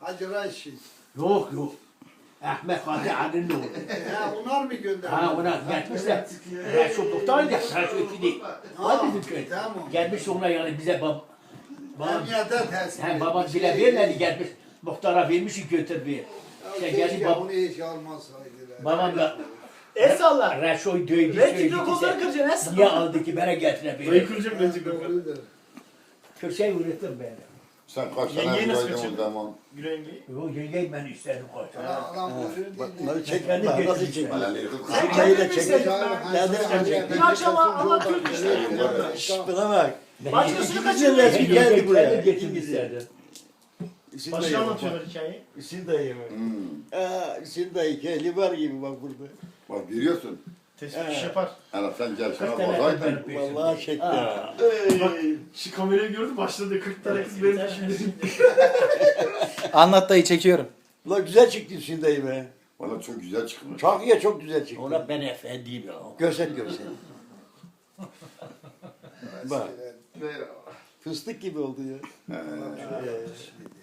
Hacı Raşit. Yok yok. Ahmet Fatih Ali'nin oğlu. Ya onlar mı gönderdi? Ha ona gelmişler. Reşo Doktor'du ya. Reşo ikili. Var bizim köy. Tamam. Gelmiş ona yani bize babam. Emniyete teslim Hem etmiş. babam bile vermedi gelmiş. Muhtara vermiş götür bir. Ya İşte keşke geldi bunu hiç almasaydılar. babam da El salla. Reşo'yu dövdü. Belki de kolları kıracaksın. El Niye salla. aldı ki bana getire bir. Dayı kıracağım ben çıkıyorum. Doğrudur. Köşeyi ürettim ben. Sen kaç Yengeyi tane nasıl buradaydın o kaçırdın? zaman? Gülen yengeyi. Yok yengeyi ben istedim koy. Adam Bunları çek. Kendi Nasıl geçmiş. çek? Alelleri Sen Kayı da kendin mi çek. istedin? Kendin Dün akşam Allah Türk işte. Şşş buna bak. Başkasını İkimizin resmi kaçırmayın. geldi buraya. Kendi geçim isterdim. Hüseyin Başka dayı anlatıyorlar bak. hikayeyi. Hüseyin dayı bak. Hüseyin dayı hikayeli var gibi bak burada. Bak görüyorsun. Tespih iş yapar. Hele sen gel sana 40 tane bazaydın. benim peşimde. Vallahi çekti. Aa. Bak şu kamerayı gördün başladı 40 tane kız benim peşimde. Anlat dayı çekiyorum. Ulan güzel çıktı Hüseyin dayı be. Valla çok güzel çıkmış. Çok iyi çok güzel çıktı. Ona ben efendiyim ya. Görsel görsel. Bak fıstık gibi oldu ya.